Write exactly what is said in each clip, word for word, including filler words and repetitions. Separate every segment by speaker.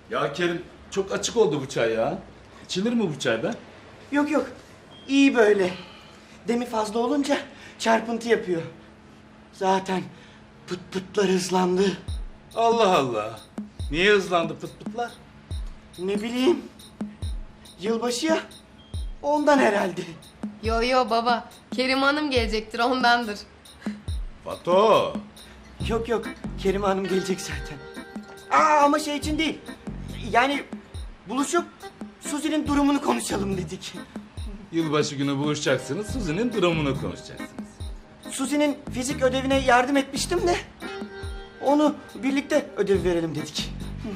Speaker 1: Ya Kerim çok açık oldu bu çay ya. İçilir mi bu çay be?
Speaker 2: Yok yok. İyi böyle. Demi fazla olunca çarpıntı yapıyor. Zaten pıt pıtlar hızlandı.
Speaker 1: Allah Allah. Niye hızlandı pıt pıtlar?
Speaker 2: Ne bileyim. Yılbaşı ya. Ondan herhalde.
Speaker 3: Yo yo baba. Kerim Hanım gelecektir ondandır.
Speaker 1: Fato.
Speaker 2: Yok yok. Kerime Hanım gelecek zaten. Aa ama şey için değil. Yani buluşup Suzi'nin durumunu konuşalım dedik.
Speaker 1: Yılbaşı günü buluşacaksınız. Suzi'nin durumunu konuşacaksınız.
Speaker 2: Suzi'nin fizik ödevine yardım etmiştim de onu birlikte ödev verelim dedik.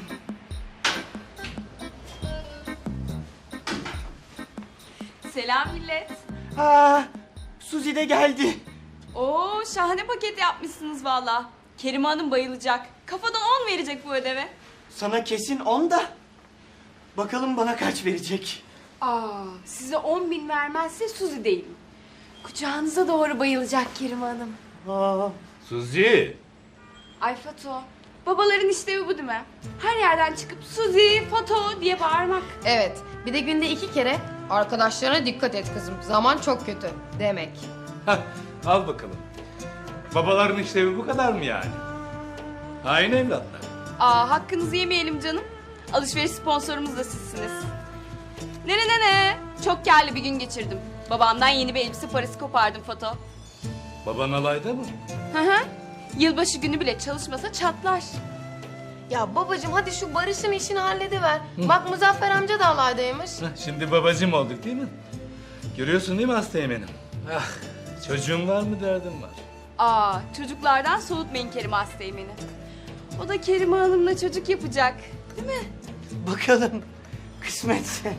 Speaker 4: Selam millet.
Speaker 2: Ha, Suzi de geldi.
Speaker 4: Oo şahane paket yapmışsınız valla. Kerime Hanım bayılacak. Kafadan on verecek bu ödeve.
Speaker 2: Sana kesin on da. Bakalım bana kaç verecek.
Speaker 5: Aa, size on bin vermezse Suzi değilim. Kucağınıza doğru bayılacak Kerim Hanım.
Speaker 2: Aa,
Speaker 1: Suzi.
Speaker 5: Ay Fato, babaların işlevi bu değil mi? Her yerden çıkıp Suzi, Fato diye bağırmak.
Speaker 3: Evet. Bir de günde iki kere arkadaşlarına dikkat et kızım. Zaman çok kötü demek.
Speaker 1: Hah, al bakalım. Babaların işlevi bu kadar mı yani? Hain evlatlar.
Speaker 4: Aa hakkınızı yemeyelim canım. Alışveriş sponsorumuz da sizsiniz. Ne ne ne ne. Çok kârlı bir gün geçirdim. Babamdan yeni bir elbise parası kopardım Fato.
Speaker 1: Baban alayda mı?
Speaker 4: Hı hı. Yılbaşı günü bile çalışmasa çatlar.
Speaker 3: Ya babacığım hadi şu Barış'ın işini hallediver. Bak Muzaffer amca da alaydaymış.
Speaker 1: Heh, şimdi babacım olduk değil mi? Görüyorsun değil mi Hastayım Ah, çocuğum var mı derdim var.
Speaker 4: Aa çocuklardan soğutmayın Kerime Asteğmen'i. O da Kerime Hanım'la çocuk yapacak. Değil mi?
Speaker 2: bakalım kısmetse.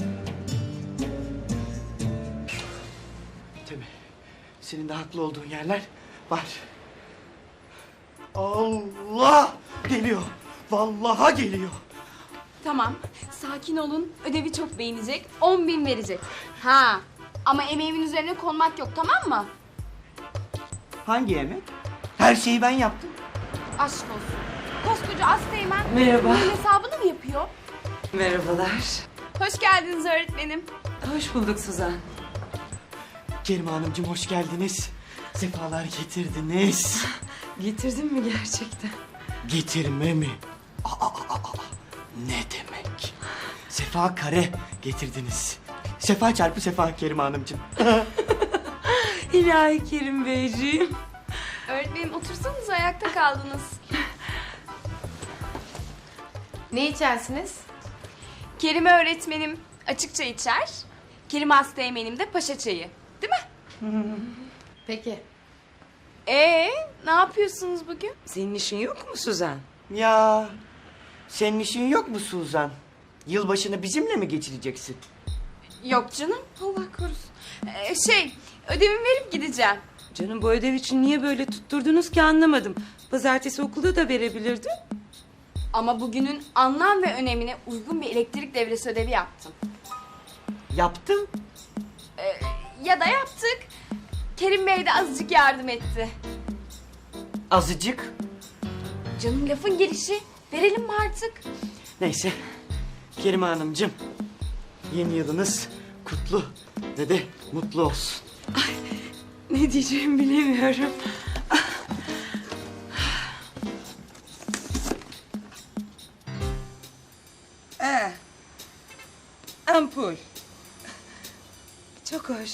Speaker 2: Tabii senin de haklı olduğun yerler var. Allah geliyor. Vallaha geliyor.
Speaker 4: Tamam. Sakin olun. Ödevi çok beğenecek. On bin verecek. Ha. Ama emeğimin üzerine konmak yok tamam mı?
Speaker 2: Hangi yemek? Her şeyi ben yaptım.
Speaker 4: Aşk olsun. Koskoca Asteğmen
Speaker 6: Merhaba.
Speaker 4: bunun hesabını mı yapıyor?
Speaker 6: Merhabalar.
Speaker 4: Hoş geldiniz öğretmenim.
Speaker 6: Hoş bulduk Suzan.
Speaker 2: Kerime Hanımcığım hoş geldiniz. Sefalar getirdiniz.
Speaker 6: Getirdin mi gerçekten?
Speaker 2: Getirme mi? Aa, aa, aa, aa. Ne demek? Sefa kare getirdiniz. Sefa çarpı sefa Kerime Hanımcığım.
Speaker 6: İlahi Kerim Beyciğim.
Speaker 4: Öğretmenim otursanız ayakta kaldınız.
Speaker 3: Ne içersiniz?
Speaker 4: Kerime öğretmenim açıkça içer. Kerime Asteğmen'im de paşa çayı. Değil mi?
Speaker 3: Peki.
Speaker 4: Ee, ne yapıyorsunuz bugün?
Speaker 6: Senin işin yok mu Suzan?
Speaker 2: Ya senin işin yok mu Suzan? Yılbaşını bizimle mi geçireceksin?
Speaker 4: Yok canım. Allah korusun. Ee, şey, ödevimi verip gideceğim.
Speaker 6: Canım bu ödev için niye böyle tutturdunuz ki anlamadım. Pazartesi okulda da verebilirdin.
Speaker 4: Ama bugünün anlam ve önemine uygun bir elektrik devresi ödevi yaptım.
Speaker 2: Yaptım.
Speaker 4: Ee, ya da yaptık. Kerim Bey de azıcık yardım etti.
Speaker 2: Azıcık.
Speaker 4: Canım lafın gelişi. Verelim mi artık?
Speaker 2: Neyse. Kerime Hanımcığım. Yeni yılınız kutlu ve de mutlu olsun.
Speaker 6: Ne diyeceğimi bilemiyorum. Ee, ampul. Çok hoş.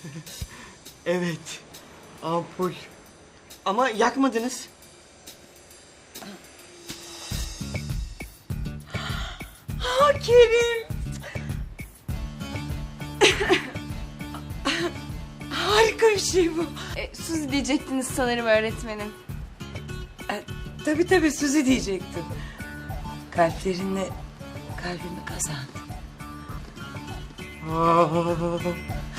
Speaker 2: Evet. Ampul. Ama yakmadınız.
Speaker 6: Ha Kerim. Harika bir şey bu.
Speaker 4: Ee, Suzi diyecektiniz sanırım öğretmenim.
Speaker 6: E, tabii tabii Suzi diyecektim. Kalplerinle kalbimi kazandım.
Speaker 2: Aa,